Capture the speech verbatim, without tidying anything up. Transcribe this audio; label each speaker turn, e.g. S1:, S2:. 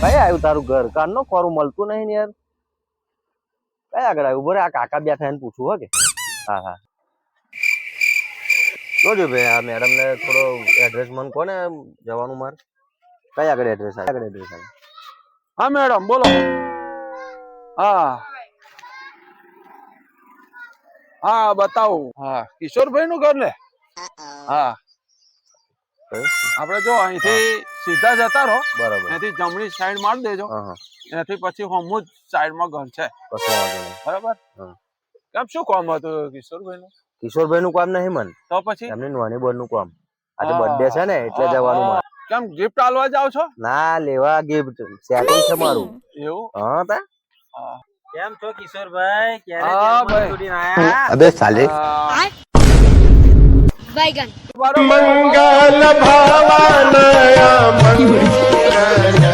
S1: કઈ આવ્યું તારું ઘર કાન નો ખોરું મળતું નહીં ને યાર કઈ આગળ આવ્યું બોરે આ કાકા બેઠા એને પૂછવું હો કે હા હા જોજો ભાઈ આ મેડમ ને થોડો એડ્રેસ મને કોને જવાનું મારે કઈ આગળ એડ્રેસ આવે આગળ એડ્રેસ આવે
S2: હા મેડમ બોલો હા હા બતાવો હા કિશોરભાઈ નું ઘર ને હા આપડે જો અહીંથી સીધા જતા રહો
S1: બરાબર
S2: અહીંથી જમણી સાઈડ મારી દેજો
S1: હા હા
S2: એનાથી પછી હમું જ સાઈડ માં ઘર છે
S1: કશો વાંધો નહીં
S2: બરાબર
S1: હા.
S2: કેમ શું કામ હતું કિશોરભાઈ નું
S1: કિશોરભાઈ નું કામ નહીં મન
S2: તો પછી
S1: એમની નાની બોન નું કામ આજે
S2: હા,
S1: બર્થડે છે ને એટલે
S2: હા,
S1: જવાનું
S2: હા.
S1: મારે
S2: કેમ ગિફ્ટ આલવા જાવ છો
S1: ના લેવા ગિફ્ટ સેટિંગ છે મારું
S2: એવું
S1: હા તા
S2: હા
S3: કેમ છો કિશોરભાઈ ક્યારે
S2: હા,
S3: જેલમાંથી
S2: ભાઈ.
S3: છૂટીને આયા?
S4: अबे साले
S2: આ,
S5: बैगन
S2: બરોબર.
S4: मंगल भावनया मंगल